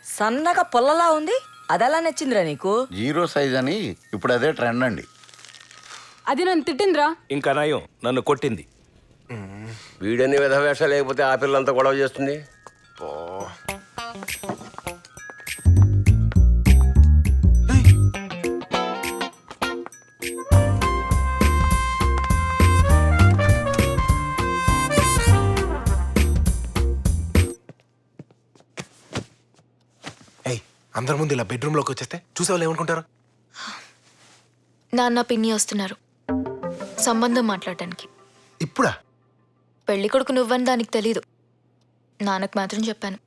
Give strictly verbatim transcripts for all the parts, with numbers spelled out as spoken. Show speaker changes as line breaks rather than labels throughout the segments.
సన్నగా పొల్లలా ఉంది, అదెలా నచ్చిందిరా నీకు?
జీరో సైజ్ అని ఇప్పుడు అదే ట్రెండ్ అండి.
అది నన్ను తిట్టిందిరా.
ఇంకా నయం నన్ను కొట్టింది.
వీడని విధ వేషాలు లేకపోతే ఆ పిల్లంతా గొడవ చేస్తుంది.
అందరి ముందు ఇలా బెడ్రూమ్లోకి వచ్చేస్తే చూసే వాళ్ళు ఏమనుకుంటారు?
నాన్న పిన్ని వస్తున్నారు సంబంధం మాట్లాడటానికి.
ఇప్పుడా?
పెళ్లి కొడుకు నువ్వని దానికి తెలీదు, నాన్నకు మాత్రం చెప్పాను.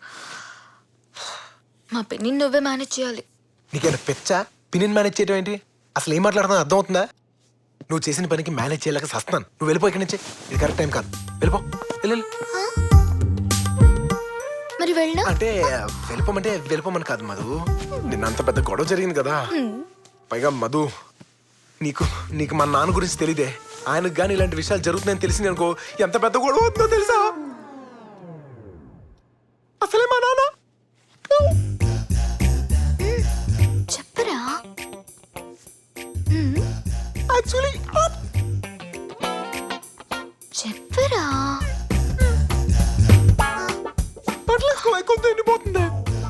మా పిన్ని నువ్వే మేనేజ్ చేయాలి.
నీకేమైనా పెచ్చా? పిన్నిని మేనేజ్ చేయడం ఏంటి? అసలు ఏం మాట్లాడుతున్నా అర్థం అవుతుందా? నువ్వు చేసిన పనికి మేనేజ్ చేయలేక సస్తున్నాను. నువ్వు వెళ్ళిపో ఇక్కడి నుంచి, ఇది కరెక్ట్ టైం కాదు. వెళ్ళిపో వెళ్ళు.
మరి వెళ్ళినా
అంటే వెళ్ళిపోమంటే వెళ్ళిపోమని కాదు మధు, నిన్న అంత పెద్ద గొడవ జరిగింది కదా. పైగా మధు, నీకు నీకు మా నాన్న గురించి తెలియదే. ఆయనకు కానీ ఇలాంటి విషయాలు జరుగుతున్నాయని తెలిసింది అనుకో, ఎంత పెద్ద గొడవ అవుతుందో తెలుసా? అసలే మా నాన్న
చెప్పరా?
యాక్చువల్లీ
చెప్పరా?
కొంత ఎండిపోతుంది.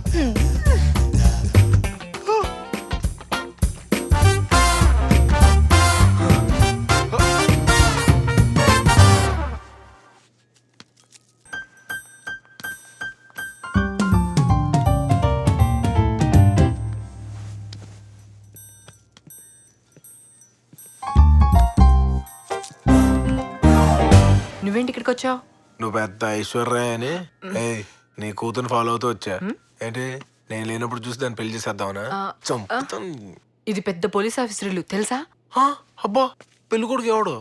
నువ్వేంటి ఇక్కడికి వచ్చావు?
నువ్వు పెద్ద ఐశ్వర్య అని నీ కూతురు ఫాలో అవుతూ వచ్చా. ఏంటి నేను లేనప్పుడు చూసి దాన్ని పెళ్లి చేసేద్దామనా? చంపుతాను.
ఇది పెద్ద పోలీస్ ఆఫీసర్లు తెలుసా?
అబ్బా, పెళ్లి కొడుకు ఎవడు?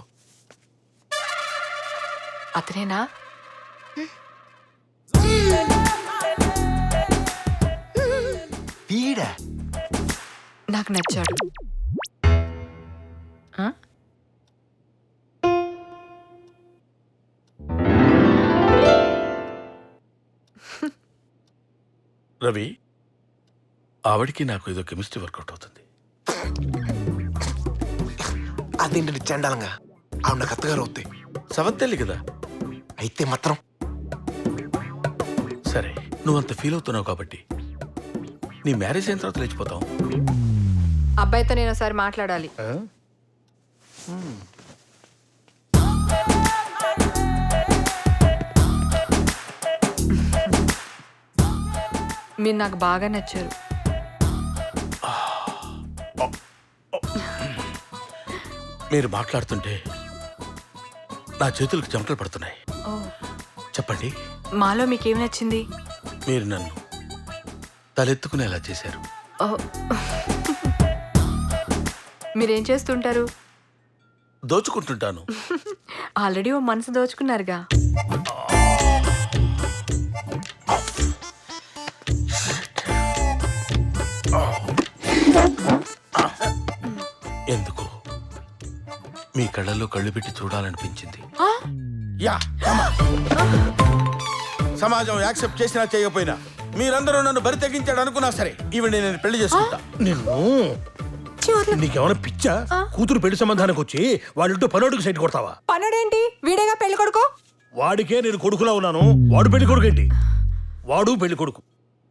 అతనేనా?
వీడా?
నాకు నచ్చాడు.
రవి, ఆవిడికి నాకు ఏదో కెమిస్ట్రీ వర్కౌట్ అవుతుంది.
అదేంటి చండాలంగా? ఆవిడ నాకు అత్తగారు అవుతాయి.
సవత్తెల్లి కదా.
అయితే మాత్రం
సరే, నువ్వంత ఫీల్ అవుతున్నావు కాబట్టి నీ మ్యారేజ్ అయిన తర్వాత లేచిపోతావు.
అబ్బాయితో నేను ఒకసారి మాట్లాడాలి. మీరు నాకు బాగా నచ్చారు.
మీరు మాట్లాడుతుంటే నా చేతులకు చెమటలు పడుతున్నాయి. చెప్పండి,
మాలో మీకేం నచ్చింది?
మీరు నన్ను తలెత్తుకునేలా చేశారు.
మీరేం చేస్తుంటారు?
దోచుకుంటుంటాను.
ఆల్రెడీ ఓ మనసు దోచుకున్నారుగా.
ఎందుకు మీ కళ్ళల్లో కళ్ళు పెట్టి చూడాలనిపించింది.
యా సమాజం యాక్సెప్ట్ చేసినా చేయకపోయినా మీరందరూ నన్ను బరి తెగించాడు అనుకున్నా సరే ఈవిడ నేను పెళ్లి చేసుకుంటా.
నిన్ను నీకేమైనా పిచ్చా? కూతురు పెళ్లి సంబంధానికి వచ్చి వాళ్ళింటో పనోడికి సైట్ కొడతావా?
పనుడేంటి? వీడేగా పెళ్లి కొడుకు.
వాడికే నేను కొడుకులా ఉన్నాను, వాడు పెళ్లి కొడుకు ఏంటి? వాడు పెళ్లి కొడుకు.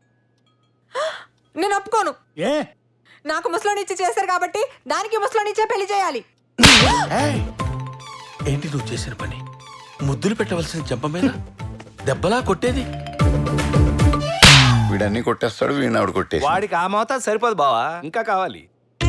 నేను ఒప్పుకోను.
ఏ?
నాకు ముసలోనిచ్చి చేశారు కాబట్టి దానికి ముసలోనిచ్చే పెళ్లి చేయాలి.
ఏంటి నువ్వు చేసిన పని? ముద్దులు పెట్టవలసిన చెంప మీద దెబ్బలా కొట్టేది.
వీడన్నీ కొట్టేస్తాడు, వీడిని ఆవిడ కొట్టేసి.
వాడికి ఆ మోతాదు సరిపోదు బావా, ఇంకా కావాలి.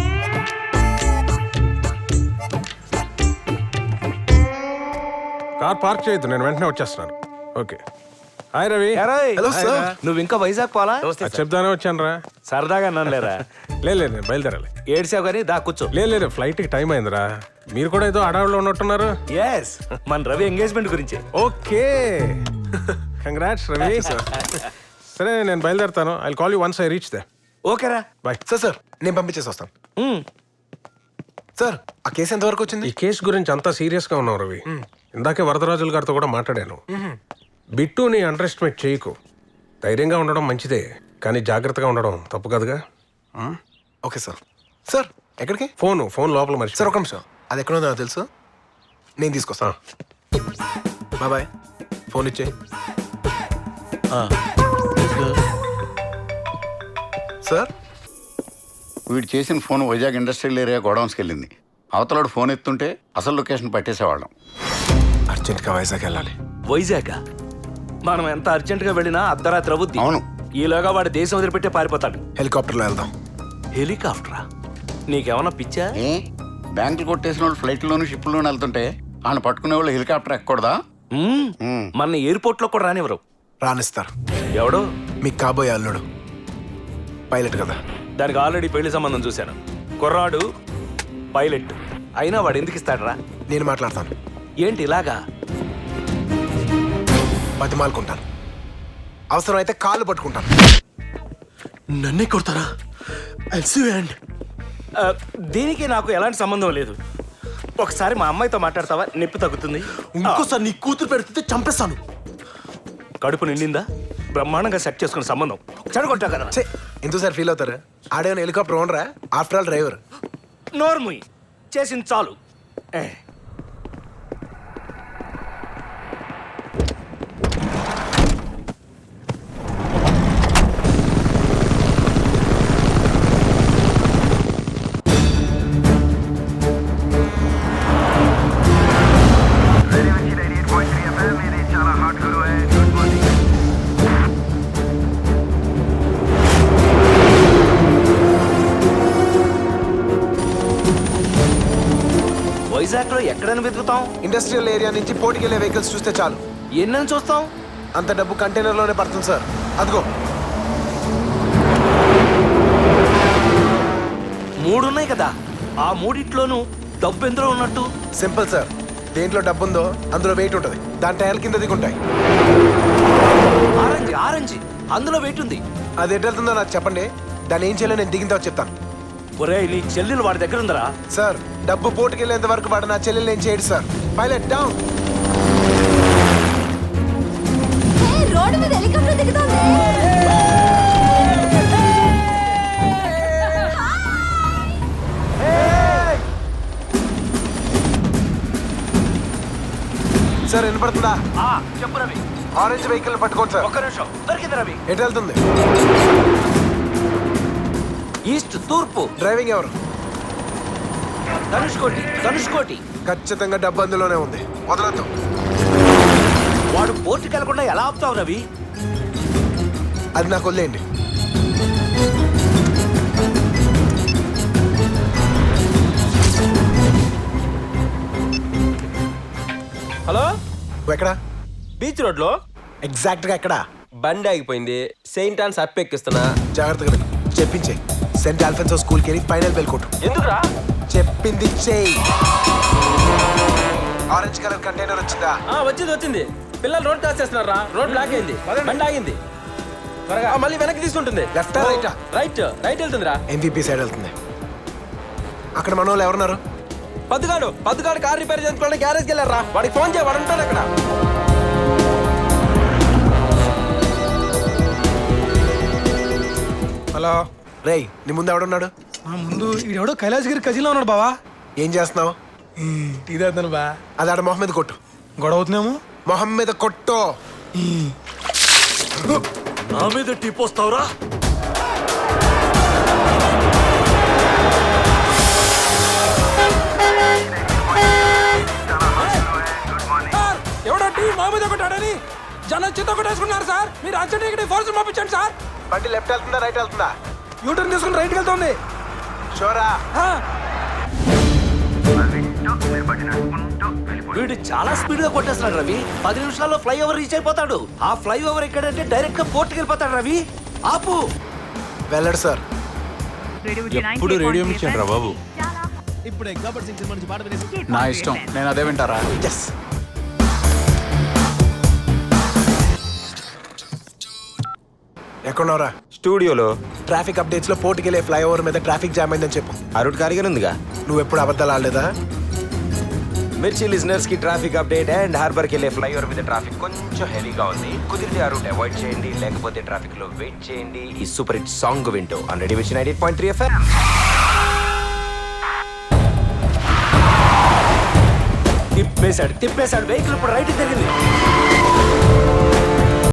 కార్ పార్క్ చేయొద్దు, నేను వెంటనే వచ్చేస్తున్నాను. Okay. Hi Ravi.
Hello sir.
నువ్వు ఇంకా వైజాగ్ పోలా?
చెప్దానే వచ్చాను రా.
సరదాగా నన్నలేరా?
లేదు లేదు నేను బయలుదేరాలి.
ఏడ్సావు కానీ దా కూర్చో.
లేదు లేదు ఫ్లైట్కి టైం అయిందిరా. మీరు కూడా ఏదో అడవుల్లో ఉన్నట్టున్నారు.
ఎస్, మన రవి ఎంగేజ్మెంట్ గురించి.
Okay, congrats Ravi. సరే నేను బయలుదేరుతాను. I call you once I reach there.
ఓకేరా,
బాయ్. సార్ సార్ నేను పంపించేసి వస్తాను. సార్ ఆ కేసు ఎంతవరకు వచ్చింది?
ఈ కేసు గురించి అంతా సీరియస్ గా ఉన్నావు రవి. ఇందాకే వరదరాజుల గారితో కూడా మాట్లాడాను. బిట్టుని అండర్ ఎస్టిమేట్ చేయకు, ధైర్యంగా ఉండడం మంచిదే. కానీ జాగ్రత్తగా ఉండడం తప్పు కదుగా.
Okay sir. సార్ ఎక్కడికి?
ఫోన్ ఫోన్ లోపల మర్చి
సార్ ఒక నిమిషం, అది ఎక్కడ ఉందో నాకు తెలుసు, నేను తీసుకొస్తాను. Bye bye. ఫోన్ ఇచ్చే. సార్
వీడు చేసిన ఫోన్ వైజాగ్ ఇండస్ట్రియల్ ఏరియా గోడౌన్స్కి వెళ్ళింది. అవతలాడు ఫోన్ ఎత్తుంటే అసలు లొకేషన్ పట్టేసేవాళ్ళం.
అర్జెంట్గా వైజాగ్ వెళ్ళాలి.
వైజాగ్ మనం ఎంత అర్జెంట్ గా వెళ్ళినా అర్ధరాత్రి అవుద్ది.
అవును.
ఈలోగా వాడు దేశం వదిలిపెట్టే పారిపోతాడు.
హెలికాప్టర్లో వెళ్దాం.
హెలికాప్టరా? నీకేమన్నా పిచ్చా?
ఏ బ్యాంకులు కొట్టేసిన వాళ్ళు ఫ్లైట్లోను షిప్లోను వెళ్తుంటే ఆయన పట్టుకునే వాళ్ళు హెలికాప్టర్ ఎక్కకూడదా?
మ్మ్.
మ్మ్.
మన ఎయిర్పోర్ట్ లో కూడా రానివ్వరు.
రానిస్తారు.
ఎవడు?
మీకు కాబోయే అల్లుడు పైలట్ కదా.
దానికి ఆల్రెడీ పెళ్లి సంబంధం చూశాను. కుర్రాడు పైలట్ అయినా వాడు ఎందుకు ఇస్తాడరా?
నేను మాట్లాడతాను.
ఏంటి ఇలాగా?
బతిమాలుకుంటాను, అవసరమైతే కాళ్ళు పట్టుకుంటాను.
నన్నే కొడతారా? ఐ సీ యు అండ్
ఆ, దీనికి నాకు ఎలాంటి సంబంధం లేదు. ఒకసారి మా అమ్మాయితో మాట్లాడతావా? నొప్పి తగ్గుతుంది.
ఇంకోసారి నీ కూతురు పెడితే చంపేస్తాను.
కడుపు నిండిందా? బ్రహ్మాండంగా సెట్ చేసుకున్న సంబంధం చెడగొట్టా కదా.
ఛే, ఎందుకు సార్ ఫీల్ అవుతారు? ఆడేమైనా హెలికాప్టర్ ఓనరా? After all driver.
నోర్ముయ్, చేసింది చాలు. ఏ. వైజాగ్ లో ఎక్కడైనా వెతుకుతాం?
ఇండస్ట్రియల్ ఏరియా నుంచి పోటీకెళ్ళే వెహికల్స్ చూస్తే చాలు.
ఎన్నని చూస్తాం?
అంత డబ్బు కంటైనర్లోనే పడుతుంది సార్. అదిగో
మూడు ఉన్నాయి కదా, ఆ మూడిట్లోనూ డబ్బు ఎందులో ఉన్నట్టు?
Simple sir. దేంట్లో డబ్బు ఉందో అందులో వెయిట్ ఉంటుంది. దాని టైర్ల కింద దిగుంటాయి.
ఆరెంజ్ ఆరెంజ్ అందులో వెయిట్ ఉంది.
అది ఎటు వెళ్తుందో నాకు చెప్పండి, దాన్ని ఏం చేయాలో నేను దిగిన తర్వాత చెప్తాను.
ఒరే, నీ చెల్లెలు వాడి దగ్గర ఉందరా?
సార్ డబ్బు పోటుకెళ్ళేంత వరకు వాడు నా చెల్లెలు ఏం చేయడు సార్. Pilot down.
రోడ్డు మీద హెలికాప్టర్ దిగుతోంది.
సార్ వినపడుతుందా?
ఆ, చెప్పు రవి.
ఆరెంజ్ వెహికల్ పట్టుకోండి సార్.
ఒక్క నిమిషం. దొరికింది రవి.
ఎటు వెళ్తుంది?
ఈస్ట్ తూర్పు.
డ్రైవింగ్ ఎవరు?
ధనుష్కోటి ధనుష్కోటి.
ఖచ్చితంగా డబ్బు అందులోనే ఉంది. వదలొద్దు.
వాడు పోర్టుకి వెళ్లకుండా ఎలా ఆపుతావు రవి?
అది నాకు వదిలేయండి.
హలో,
నువ్వు ఎక్కడా?
బీచ్ రోడ్ లో
ఎగ్జాక్ట్ గా ఎక్కడా?
బండి ఆగిపోయింది. సెయింట్ ఆన్స్ అప్ ఎక్కిస్తున్నా.
జాగ్రత్తగా విను. చెప్పించే. సెంట్ ఆల్ఫెన్సో స్కూల్కి వెళ్ళి ఫైనల్ బెల్ కొట్టు.
ఎందుకురా?
చెప్పింది చెయ్యి. ఆరెంజ్ కలర్ కంటైనర్ వచ్చిందా?
ఆ, వచ్చింది వచ్చింది. పిల్లలు రోడ్ క్రాస్ చేస్తున్నారా? రోడ్ బ్లాక్ అయింది. బండి ఆగింది. త్వరగా ఆ, మళ్ళీ వెనక్కి తీసుకుంటుంది.
లెఫ్ట్ రైటా?
రైట్ రైట్ వెళ్తుందిరా.
ఎంవీపీ సైడ్ వెళ్తుంది. అక్కడ మన వాళ్ళు ఎవరున్నారు?
పద్దుగాడు పద్దుగాడు కార్ రిపేర్ చేసుకోవడానికి గ్యారేజ్కి వెళ్ళారా? వాడికి ఫోన్ చేయ, వాడు ఉంటాడు అక్కడ.
హలో
రేయ్, నీ ముందు ఎవడున్నాడు?
ఆ ముందు ఈడెవడో కైలాసగిరి కజిన్లో ఉన్నాడు బావా.
ఏం చేస్తున్నావు?
టీ తాగుతాను బా.
అది ఆడ మొహం మీద కొట్టు.
గొడవ అవుతున్నాము.
మొహం మీద కొట్టు.
నా మీద టిప్ వస్తావురా?
ఎవడో టీ మా మీద కొట్టాడని జనం చిత్త కొట్టేసుకున్నారు సార్. మీరు అర్జెంట్ ఇక్కడ ఫోర్స్ పంపించండి సార్.
బండి లెఫ్ట్ వెళ్తుందా రైట్ వెళ్తుందా?
యూటర్న్ తీసుకుని రైట్కి వెళ్తుంది.
షోరా?
వీడు చాలా స్పీడ్ గా కొట్టేస్తున్నాడు రవి. పది నిమిషాల్లో ఫ్లైఓవర్ రీచ్ అయిపోతాడు. ఆ ఫ్లైఓవర్ ఎక్కడంటే డైరెక్ట్ గా పోర్టుకి వెళ్ళిపోతాడు రవి. ఆపు.
వెళ్ళడు సార్.
ఎప్పుడు రేడియో ఇచ్చాడు రా బాబు.
నా ఇష్టం, నేను అదే వింటారా?
ఎస్. ఎక్కడున్నావురా?
స్టూడియోలో
ట్రాఫిక్ అప్డేట్స్ లో పోర్టుకెళ్ళే ఫ్లైఓవర్ మీద ట్రాఫిక్ జామ్ అయిందని చెప్పు.
ఆ రూట్ ఖాళీగానే ఉందిగా.
నువ్వు ఎప్పుడు అబద్ధాలు ఆడలేదా?
మిర్చి లిజనర్స్ కి ట్రాఫిక్ అప్డేట్ అండ్ హార్బర్ కి వెళ్ళే ఫ్లైఓవర్ మీద ట్రాఫిక్ కొంచెం హెవీగా ఉంది. కుదిరితే ఆ రూట్ అవాయిడ్ చేయండి, లేకపోతే ట్రాఫిక్ లో వెయిట్ చేయండి. ఈ సూపర్ హిట్ సాంగ్ వింటూ ఆన్ రెడీ విచ్ ninety eight point three FM.
తిప్పేశాడు తిప్పేశాడు వెహికల్ ఇప్పుడు రైట్ తిరిగింది.